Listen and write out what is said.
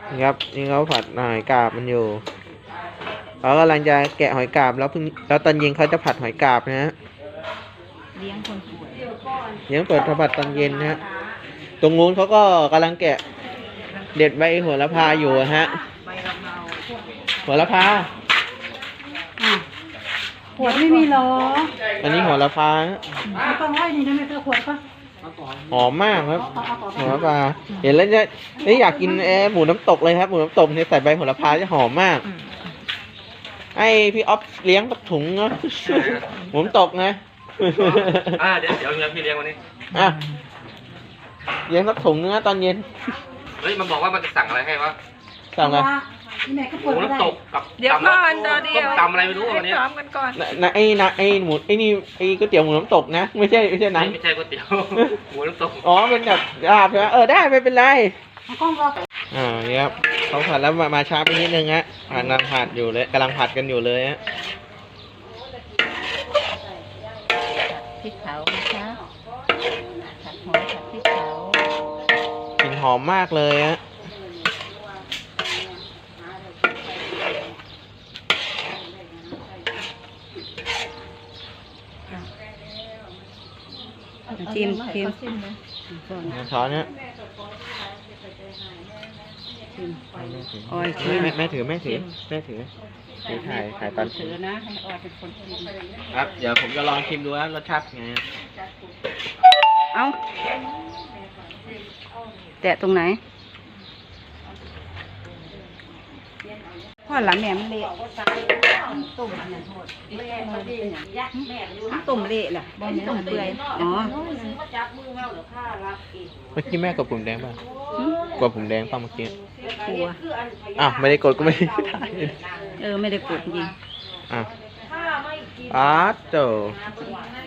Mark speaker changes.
Speaker 1: นี่ครับนี่เขาผัดหอยกาบมันอยู่เขากำลังจะแกะหอยกาบแล้วตอนเย็นเขาจะผัดหอยกาบนะฮะ
Speaker 2: เลี้ยงคนป่วย
Speaker 1: เลี้ยงเปิดผัดตอนเย็นนะฮะตรงนู้นเขาก็กำลังแกะเด็ดใบโหระพาอยู่ฮะ
Speaker 2: ใบกะเพรา
Speaker 1: โหระพา
Speaker 2: ขวดไม่มีหรอ
Speaker 1: อันนี้โหระพา
Speaker 2: ไม่ต้องไว้นี่นะไม่ต้องขวดก็
Speaker 1: หอมมากครับโหระพาเห็นแล้วจะอยากกินหมูน้ำตกเลยครับหมูน้ำตกเนี่ยใส่ใบโหระพาจะหอมมากไอพี่ออฟเลี้ยงปักถุงเนาะหมูน้ำตกนะ
Speaker 3: เดี๋ยวพี่เลี้ยงวันนี้
Speaker 1: เลี้ยงสักถุงนึงนะตอนเย็น
Speaker 3: เฮ้ยมันบอกว่ามันจะสั่งอะไรให้วะ
Speaker 1: สั่งอะไร
Speaker 3: หมูน้ำตกกับ
Speaker 2: เดี๋ยวก่อนเดี๋ยว
Speaker 3: ตำอะไรไม่รู้วันนี้
Speaker 2: พร้อมกันก่อน
Speaker 1: ไอหมูนี่ไอก๋วยเตี๋ยวหมูน้ำตกนะไม่ใช่นั้น
Speaker 3: ไม่ใช่ก๋วยเตี๋ยวหมูน้ำตก
Speaker 1: อ๋อเป็นแบบลาบใช่ไหมได้ไม่เป็นไรเนี่ยครับเขาผัดแล้วมาช้าไปนิดนึงฮะกำลังผัดอยู่เลยกำลังผัดกันอยู่เลยฮะ
Speaker 2: พริกเผานะคะผัดหอมผัดพริกเผาก
Speaker 1: ลิ่นหอมมากเลยฮะ
Speaker 2: ชิม
Speaker 1: ช้อนเนี้ยแม่ถือถ่ายตอน
Speaker 2: ถือนะให้ออยเป็นคนชิม
Speaker 1: ครับเดี๋ยวผมจะลองชิมดูว่ารสชาติไง
Speaker 2: เอาแตะตรงไหนพ่อหลังแหนมเละตุ่มอันนั้นโทษตุ่มเละแหละบอลตุ่มเปื่อยอ๋อ
Speaker 1: เมื่อกี้แม่กดปุ่มแดงป่ะกดปุ่มแดงป่ะเมื่อกี้
Speaker 2: กลัว
Speaker 1: ไม่ได้กดก็ไม่ได้ถ่าย
Speaker 2: ไม่ได้กดจริง
Speaker 1: เจ้า